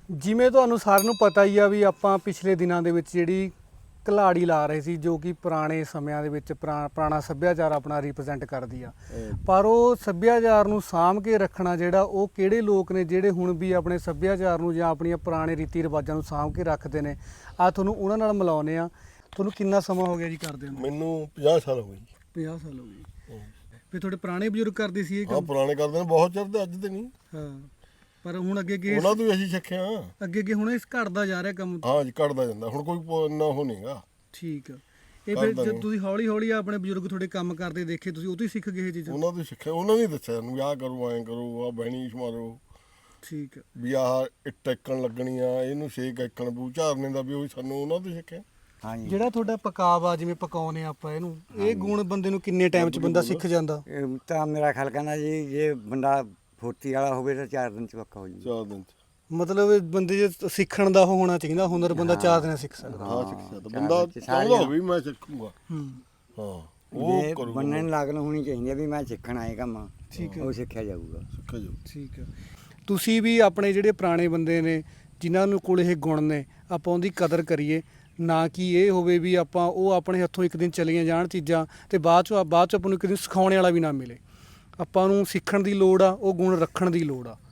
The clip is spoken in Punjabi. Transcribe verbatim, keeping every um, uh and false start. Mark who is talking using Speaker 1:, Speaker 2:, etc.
Speaker 1: ਜਿਵੇਂ ਤੁਹਾਨੂੰ ਸਾਰਿਆਂ ਨੂੰ ਪਤਾ ਹੀ ਆ ਵੀ ਆਪਾਂ ਪਿਛਲੇ ਦਿਨਾਂ ਦੇ ਵਿੱਚ ਜਿਹੜੀ ਘਲਾੜੀ ਲਾ ਰਹੇ ਸੀ, ਜੋ ਕਿ ਪੁਰਾਣੇ ਸਮਿਆਂ ਦੇ ਵਿੱਚ ਪੁਰਾ- ਪੁਰਾਣਾ ਸੱਭਿਆਚਾਰ ਆਪਣਾ ਰਿਪਰੈਜ਼ੈਂਟ ਕਰਦੀ ਆ। ਪਰ ਉਹ ਸੱਭਿਆਚਾਰ ਨੂੰ ਸਾਂਭ ਕੇ ਰੱਖਣਾ ਜਿਹੜਾ ਉਹ ਕਿਹੜੇ ਲੋਕ ਨੇ ਜਿਹੜੇ ਹੁਣ ਵੀ ਆਪਣੇ ਸੱਭਿਆਚਾਰ ਨੂੰ ਜਾਂ ਆਪਣੀਆਂ ਪੁਰਾਣੇ ਰੀਤੀ ਰਿਵਾਜਾਂ ਨੂੰ ਸਾਂਭ ਕੇ ਰੱਖਦੇ ਨੇ। ਆ ਤੁਹਾਨੂੰ ਉਹਨਾਂ ਨਾਲ ਮਿਲਾਉਂਦੇ ਆ। ਤੁਹਾਨੂੰ ਕਿੰਨਾ ਸਮਾਂ ਹੋ ਗਿਆ ਜੀ ਕਰਦੇ ਨੂੰ?
Speaker 2: ਮੈਨੂੰ ਪੰਜਾਹ ਸਾਲ ਹੋ ਗਏ ਜੀ।
Speaker 1: ਪੰਜਾਹ ਸਾਲ ਹੋ ਗਏ। ਫਿਰ ਤੁਹਾਡੇ ਪੁਰਾਣੇ ਬਜ਼ੁਰਗ ਕਰਦੇ ਸੀ ਇਹ
Speaker 2: ਹਾਂ
Speaker 1: ਕੰਮ?
Speaker 2: ਪੁਰਾਣੇ ਕਰਦੇ ਨੇ, ਬਹੁਤ ਚਿਰ ਦੇ, ਅੱਜ ਤੇ ਨਹੀਂ।
Speaker 1: ਹਾਂ, ਪਰ ਹੁਣ ਅੱਗੇ ਅੱਗੇ
Speaker 2: ਉਹਨਾਂ ਤੋਂ ਵੀ ਅਸੀਂ ਸਿੱਖਿਆ।
Speaker 1: ਅੱਗੇ ਅੱਗੇ ਹੁਣ ਇਸ ਘਟਦਾ ਜਾ ਰਿਹਾ ਕੰਮ।
Speaker 2: ਹਾਂ ਜੀ, ਘਟਦਾ ਜਾਂਦਾ ਹੁਣ, ਕੋਈ ਪ- ਇੰਨਾ ਉਹ ਨਹੀਂਗਾ।
Speaker 1: ਠੀਕ ਆ। ਇਹ ਫਿਰ
Speaker 2: ਕਰਦਾ
Speaker 1: ਜਦ
Speaker 2: ਨਹੀਂ।
Speaker 1: ਤੁਸੀਂ ਹੌਲੀ ਹੌਲੀ ਆਪਣੇ ਬਜ਼ੁਰਗ ਤੁਹਾਡੇ ਕੰਮ ਕਰਦੇ ਦੇਖੇ, ਤੁਸੀਂ ਉਹ ਤੋਂ ਹੀ ਸਿੱਖ ਗਏ ਇਹ ਚੀਜ਼ਾਂ?
Speaker 2: ਉਹਨਾਂ ਤੋਂ ਹੀ ਸਿੱਖਿਆ, ਉਹਨਾਂ ਨੇ ਹੀ ਦੱਸਿਆ ਸਾਨੂੰ ਵੀ ਆਹ ਕਰੋ, ਐਂ ਕਰੋ, ਆਹ ਬਹਿਣੀ ਮਾਰੋ,
Speaker 1: ਠੀਕ ਆ।
Speaker 2: ਵੀ ਆਹ ਇੱਟ ਇੱਕਣ ਲੱਗਣੀ ਆ, ਇਹਨੂੰ ਛੇਕ ਇੱਕਣ ਬੂ ਝਾਰਨੇ ਦਾ, ਵੀ ਉਹ ਸਾਨੂੰ ਉਹਨਾਂ ਤੋਂ ਹੀ ਸਿੱਖਿਆ।
Speaker 3: ਹਾਂਜੀ
Speaker 1: ਜਿਹੜਾ ਤੁਹਾਡਾ ਪਕਾਵਾ ਜਿਵੇਂ ਪਕਾਉਨੇ ਆਪਾਂ ਇਹਨੂੰ, ਇਹ ਗੁਣ ਬੰਦੇ ਨੂੰ ਕਿੰਨੇ ਟਾਈਮ 'ਚ ਬੰਦਾ ਸਿੱਖ ਜਾਂਦਾ?
Speaker 3: ਇਹ ਤਾਂ ਮੇਰਾ ਖਿਆਲ ਕਹਿੰਦਾ ਜੀ, ਜੇ ਬੰਦਾ ਫੁਰਤੀ ਵਾਲਾ ਹੋਵੇ ਤਾਂ ਚਾਰ ਦਿਨ ਚ ਪੱਕਾ ਹੋ ਜੂ।
Speaker 2: ਚਾਰ ਦਿਨ ਚ
Speaker 1: ਮਤਲਬ ਇਹ ਬੰਦੇ ਜੇ ਸਿੱਖਣ ਦਾ ਉਹ ਹੋਣਾ ਚਾਹੀਦਾ ਹੁਨਰ, ਬੰਦਾ ਚਾਰ ਦਿਨ ਸਿੱਖ ਸਕਦਾ।
Speaker 2: ਹਾਂ ਸਿੱਖ ਸਕਦਾ
Speaker 3: ਚਾਰ
Speaker 2: ਬੰਦਾ।
Speaker 3: ਦਿਨ ਚ ਸਾਰੀਆਂ-
Speaker 2: ਚਾਹੁੰਦਾ ਹੋਵੇ ਵੀ ਮੈਂ ਸਿੱਖੂਗਾ।
Speaker 1: ਹੂੰ,
Speaker 2: ਹਾਂ
Speaker 3: ਇਹ
Speaker 2: ਉਹ ਕਰੂਗਾ,
Speaker 3: ਬੰਨੇ ਨੂੰ ਲਾਗਣ ਹੋਣੀ ਚਾਹੀਦੀ ਹੈ ਵੀ ਮੈਂ ਸਿੱਖਣਾ ਇਹ ਕੰਮ।
Speaker 1: ਠੀਕ ਹੈ।
Speaker 3: ਉਹ ਸਿੱਖਿਆ ਜਾਊਗਾ।
Speaker 2: ਸਿੱਖਿਆ ਜਾਊ।
Speaker 1: ਠੀਕ ਆ। ਤੁਸੀਂ ਵੀ ਆਪਣੇ ਜਿਹੜੇ ਪੁਰਾਣੇ ਬੰਦੇ ਨੇ ਜਿਨ੍ਹਾਂ ਨੂੰ ਕੋਲ ਇਹ ਗੁਣ ਨੇ, ਆਪਾਂ ਉਹਦੀ ਕਦਰ ਕਰੀਏ, ਨਾ ਕਿ ਇਹ ਹੋਵੇ ਵੀ ਆਪਾਂ ਉਹ ਆਪਣੇ ਹੱਥੋਂ ਇੱਕ ਦਿਨ ਚਲੀਆਂ ਜਾਣ ਚੀਜ਼ਾਂ ਤੇ ਬਾਅਦ ਚੋਂ ਬਾਅਦ ਚ ਆਪਾਂ ਨੂੰ ਇੱਕ ਦਿਨ ਸਿਖਾਉਣ ਵਾਲਾ ਵੀ ਨਾ ਮਿਲੇ। ਆਪਾਂ ਨੂੰ ਸਿੱਖਣ ਦੀ ਲੋੜ ਆ, ਉਹ ਗੁਣ ਰੱਖਣ ਦੀ ਲੋੜ ਆ।